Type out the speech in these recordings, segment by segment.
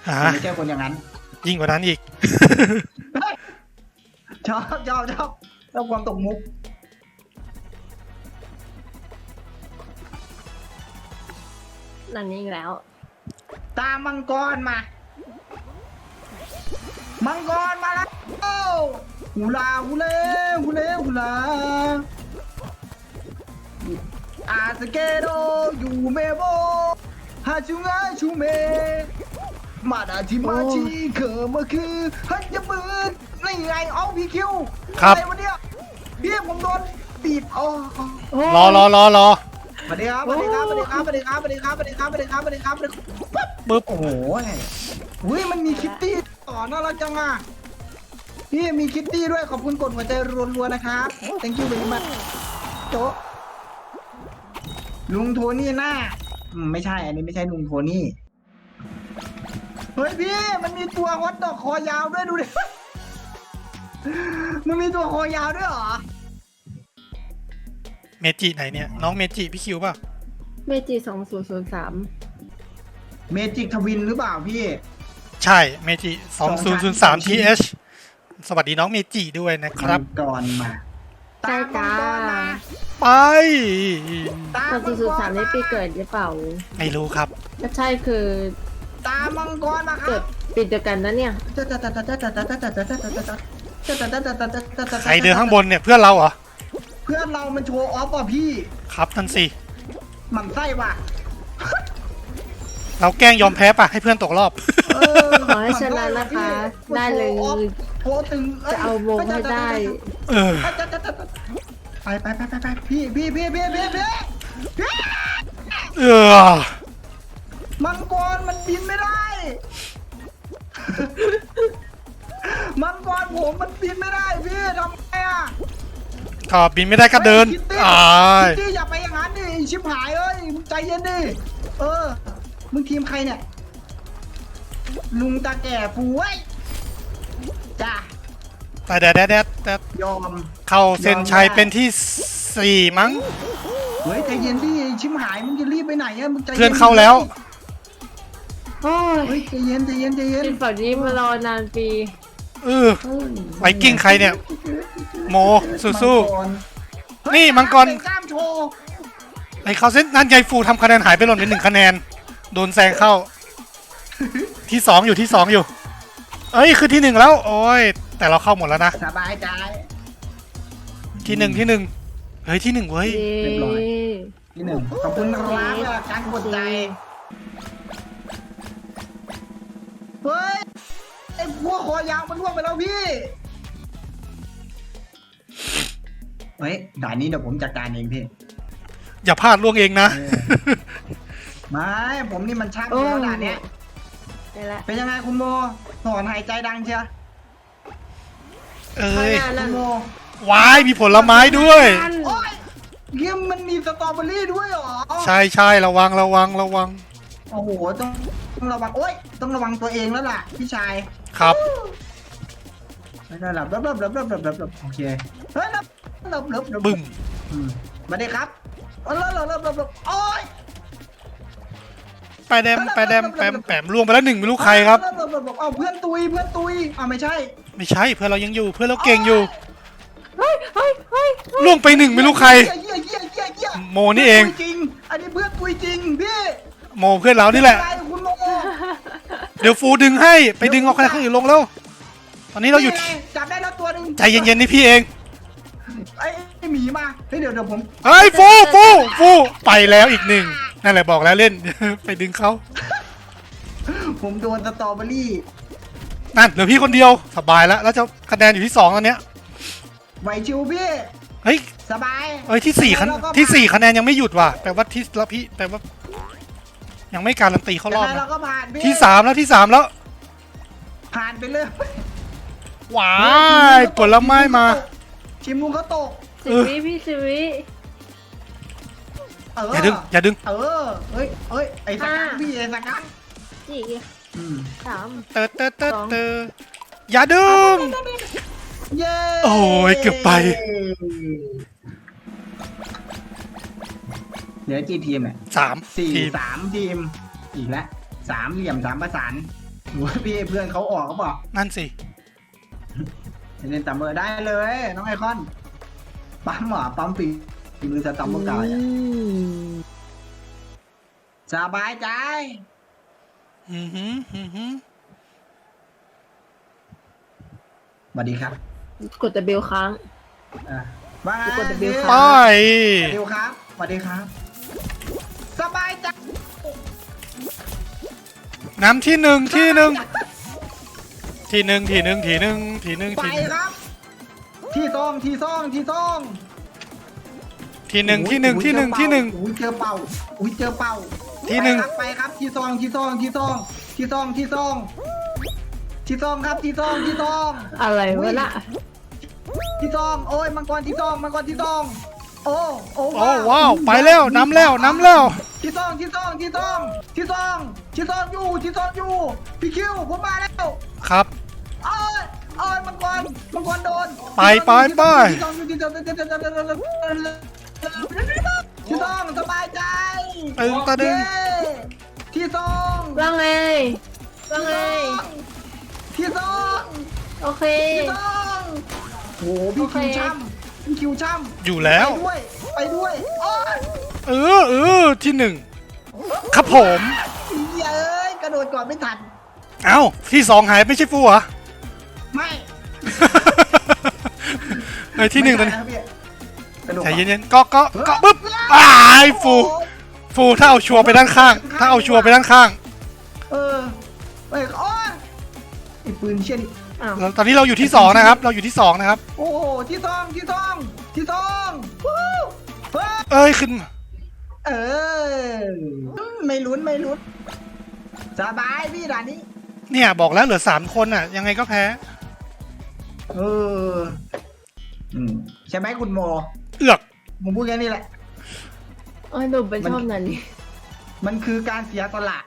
ไม่ใช่คนอย่างนั้นยิ่งกว่านั้นอีกชอบความตกมุกนั่นนี่แล้วตามมังกรมา มังกรมาแล้วฮูลาฮูเล่ฮูเล่ฮูลาอาสเกโดยูเมโบฮาชูงาชูเมมาดาจิมาชิเขมาคือฮันจะปืนนี่ไงเอาพี่คิวครับอะไรวะเนี่ยพี่ผมโดนบีบอ๋อรอสวัสดีครับสวัสดีครับสวัสดีครับสวัสดีครับสวัสดีครับสวัสดีครับสวัสดีครับสวัสดีครับสวัสดีครับปึ๊บโอ้โหอุ้ยมันมีคิตตี้ต่อน่ารักจังอ่ะพี่มีคิตตี้ด้วยขอบคุณกดหัวใจรัวๆนะครับ thank you very much โจ๊ะลุงโทนี่หน้าไม่ใช่อันนี้ไม่ใช่ลุงโทนี่เฮ้ยพี่มันมีตัวฮอตดอกคอยาวด้วยดูดิ มันมีตัวคอยาวด้วยเหรอเมจิไหนเนี่ยน้องเมจิพี่คิวป่ะเมจิ2003 เมจิกทวินหรือเปล่าพี่ใช่เมจิ2003 TH สวัสดีน้องเมจิด้วยนะครับก่อนมาใช่จ้าไปตาม 2003นี่ปีเกิดหรือเปล่าไม่รู้ครับถ้าใช่คือตามมังกรมาคเกิรัดบปีเดียวกันนะเนี่ยใครเดินข้างบนเนี่ยเพื่อนเราเหรอเพื่อนเรามันโชว์ออฟว่ะพี่ครับนั่นสิหมั่นไส้ว่ะเราแกล้งยอมแพ้ป่ะให้เพื่อนตกรอบขอให้ชนะนะคะ ได้เลยโพตึงจะเอาวงให้ได้เออไปพี่เออมังกรมันบินไม่ได้ มังกรผมมันบินไม่ได้พี่ทำไงอ่ะก็บินไม่ได้ก็เดินคิตตี้อ่าคิตตี้อย่าไปอย่างนั้นดิชิบหายเอ้ยมึงใจเย็นดิมึงทีมใครเนี่ยลุงตาแก่ฟูไว้จ้าแต่แต่ยอมเข้าเส้นชัยเป็นที่4มั้งเฮ้ยใจเย็นดิชิมหายมึงจะรีบไปไหนอะมึงใจย็เพื่อนเข้าแล้วโอ้เฮ้ยยใจเย็นเป็นฝั่งนี้มารอนานปีเออไวกิ้งใครเนี่ย โมสู้ๆนี่มังกรกล้ามโชว์ๆไอ้เขาเส้นนั่นยายฟูทำคะแนนหายไปหล่นไป1คะแนน โดนแซงเข้า ที่2อยู่ที่2อยู่ เอ้ยคือที่1แล้ว โอ้ยแต่เราเข้าหมดแล้วนะสบายใจที่1เฮ้ยที่1เว้ยเรียบร้อย ที่หนึ่งขอบคุณครับการกดใจเฮ้ยไอ้พวกคอยาวมันล่วงไปแล้วพี่เฮ้ยด่านนี้เดี๋ยวผมจัดการเองพี่อย่าพลาดล่วงเองนะไม่ผมนี่มันช่างแล้วด่านเนี้ยได้ละเป็นยังไงคุณโมถอนหายใจดังเชียวเอ้ยข้างหน้านั่คุนณโมวายมีผลไม้ด้วยโอ้ยเยี่ยมมันมีสตรอเบอรี่ด้วยเหรอใช่ระวังโอ้โหต้องระวังโอ้ยต้องระวังตัวเองแล้วล่ะพี่ชายครับไม่ได้หลับโอเคเฮ้ยลับบึ้มมาเด็กครับลับโอ้ยไปแดมแปมล่วงไปแล้ว1ไม่รู้ใครครับเอาเพื่อนตุยไม่ใช่ไม่ใช่เพื่อนเรายังอยู่เพื่อนเราเก่งอยู่เฮ้ยล่วงไป1ไม่รู้ใครเหี้ยโมนี่เองจริงอันนี้เพื่อนตุยจริงพี่โมเพื่อนเรานี่แหละอะไรคุณโมเดี๋ยวฟูดึงให้ไปดึงเอาคะแนนคนอื่นลงแล้วตอนนี้เราอยู่จับได้แล้วตัวนึงใจเย็นๆนี่พี่เองไอ้หมีมาเฮ้ยเดี๋ยวผมเฮ้ยฟูไปแล้วอีก1นั่นแหละบอกแล้วเล่น ไปดึงเขาผมโดนสตรอเบอรี่นั่นเหลือพี่คนเดียวสบายแล้วแล้วจะคะแนนอยู่ที่2ตอนเนี้ยไหวชิวพี่เฮ้ยสบายเอ้ยที่4คะแนนยังไม่หยุดว่ะแปลว่าที่แล้วพี่แปลว่ายังไม่การันตีเข้ารอบยังไงนะเราก็ผ่านพี่ที่3แล้วผ่านไปเลยว้ายผลไม้มาชิมลุงเขาตก 10 วิพี่10 วิเอย่าดึงเฮ้ยไอ้สักกังพี่ไอ้สักกัง 4 3 เตออย่าดึงเย้โอ้ยเกือบไปเหลือกี่ทีมเนี่ย 3 สี่ทีม 3 ทีมอีกแล้ว3 เหลี่ยม 3 ประสานหนูพี่เพื่อนเขาออกเขาบอกนั่นสิเล่นตัมเมอร์ได้เลยน้องไอคอนปั๊มเหรอปั๊มปีมือจะตัมเมอร์กายอะสบายใจอือหืออือหือสวัสดีครับกดแต่เบลค้างว่าไงกด W ไปสวัสดีครับสวัสดีครับ สบายใจน้ำที่หนึ่งที่หนึ่งที่หนึ่งที่หนึ่งที่หนึ่งที่หนึ่งไปที่หนึ่งครับ ที่ซองที่ซองที่ซองที่หนึ่งที่หนึ่งที่หนึ่งที่หนึ่งอุ้ยเจอเป่าอุ้ยเจอเป่าที่หนึ่งไปครับที่ซองที่ซองที่ซองที่ซองที่ซองที่ซองครับที่ซองที่ซองอะไรวะน่ะที่ซองโอ้ยมังกรที่ซองมังกรที่ซองโอ้โอ้ว้าวไปแล้วน้ำแล้วน้ำแล้วที่ซองที่ซองที่ซองที่ซองที่ซองอยู่ที่ซองอยู่พี่คิวผมมาแล้วครับโอ้ยโอ้ยมังกรโดนไปไปไปที่ซองที่ซองที่ซองสบายใจตึงตะดึงเย้ที่ซองว่าไงว่าไงที่ซองโอเคที่ซองโอ้พี่คิวช่ำพี่คิวช่ำอยู่แล้วไปด้วยโอ้ยที่หนึ่งครับผมเย้ยกระโดดก่อนไม่ทันเอ้าที่สองหายไม่ใช่ฟูเหรอไม่เฮ้ยที่หนึ่งตอนไม่นี้ใช่ะพี่กระโดดใจก่อนเย็นๆก็ปึ๊บอ้ายฟูถ้าเอาชัวร์ไปด้านข้าง ถ้าเอาชัวร์ไปด้านข้างเออไปโอ้ยไอ้ปืนเชี่ยนี่อ้าวตอนนี้เราอยู่ที่สองนะครับ เราอยู่ที่สองนะครับโอ้โหที่ซองที่ซองที่ซองวู้เฮ้ยเอ้ยขึ้นมาเออไม่ลุ้นไม่ลุ้นสบายพี่ด่านนี้เนี่ยบอกแล้วเหลือ3คนอ่ะ ยังไงก็แพ้เออใช่ไหมคุณโมเอือกผมพูดแค่นี้แหละโอ้ยหนูเป็นชอบนั่นนี่มันคือการเสียสละ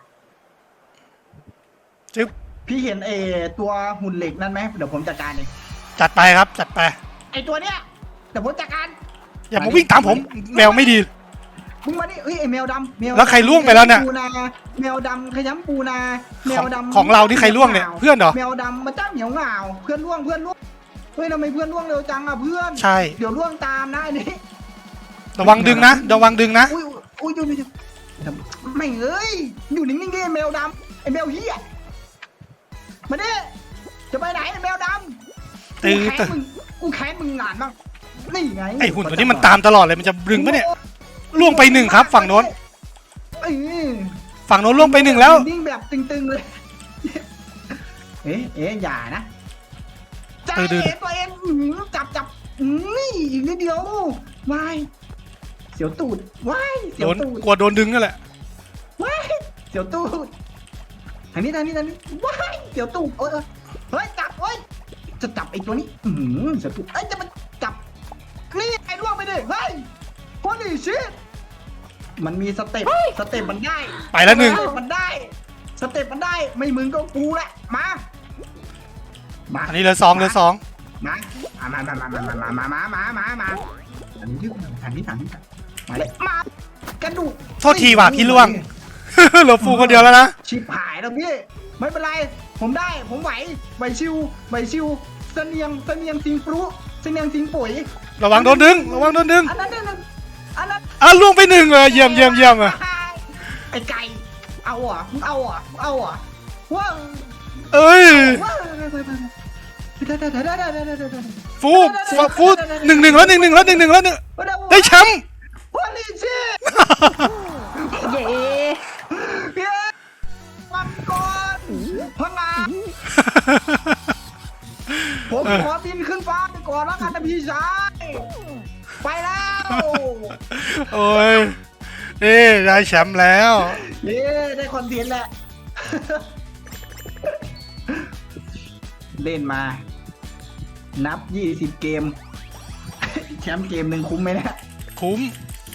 จึ๊บพี่เห็นตัวหุ่นเหล็กนั่นไหมเดี๋ยวผมจัดการเองจัดไปครับ จัดไปไอตัวเนี้ยเดี๋ยวผมจัดการอย่ามาวิ่งตามผมแมวไม่ดีมึงมานี่เฮ้ยไอแมวดำแมวดำแล้วใครล่วงไปแล้วเนี่ยปูนาแมวดำขยำปูนาแมวดำของเราที่ใครล่วงเนี่ยเพื่อนเหรอแมวดำมาจ้าเหนียวเหงาเพื่อนล่วงเฮ้ยทำไมเพื่อนล่วงเร็วจังอ่ะเพื่อนใช่เดี๋ยวล่วงตามนะอันนี้ระวังดึงนะระวังดึงนะอุ้ยอยู่ไม่เอ้ยอยู่นิ่งๆดิแมวดำไอแมวเหี้ยมาดิจะไปไหนไอแมวดำตื้อกูแค้นมึงงานบ้างนี่ไงไอหุ่นตัวนี้มันตามตลอดเลยมันจะดึงปะเนี่ยล่วงไปหนึ่งครับ ฝั่งโน้นเอ้ยฝั่งโน้นล่วงไปหนึ่งแล้วนิ่งแบบตึงๆเลย เอ๊ะอย่านะจับดื้อตัวเองจับนี่อีกนิดเดียววายเสียวตูดวายเสียโดวน ตูดกลัวโดนดึงนั่นแหละวายเสียวตูดทางนี้วายเสียวตูดเฮ้ยจับเฮ้ยจะจับไอ้ตัวนี้เสียวตูดจะมาจับนี่ไอ้ล่วงไปดิเฮ้ยโคตรชิตมันมีสเต็ปมันได้ไปแล้วหนึ่งสเต็ปมันได้ไม่มึงก็กูแหละมาอันนี้เหลือสองมาอันนี้ทางนี้มาเลยมากระดูกโทษทีว่ะพี่ล่วง เหลือฟูคนเดียวแล้วนะชิบหายแล้วพี่ไม่เป็นไรผมไหวชิวเสนียงสิงปรุเสนียงสิงปุ๋ยระวังโดนดึงอันนั้นล่วงไปหนึ่งเลยเยี่ยมอ่ะไอ้ไก่เอาอ่ะมึงเอาอ่ะว้าวเอ้ยว้าวฟูหนึ่งแล้วได้แชมป์วันนี้ชิเย้เพี้ยมังกรพังงาผมขอบินขึ้นฟ้าไปก่อนแล้วกันนะพี่ชายไปแล้วโอ้ยนี่ได้แชมป์แล้วเย้ได้คอนเทนต์แหละ เล่นมา นับ20 เกม แชมป์เกมหนึ่งคุ้มไหมเนะคุ้ม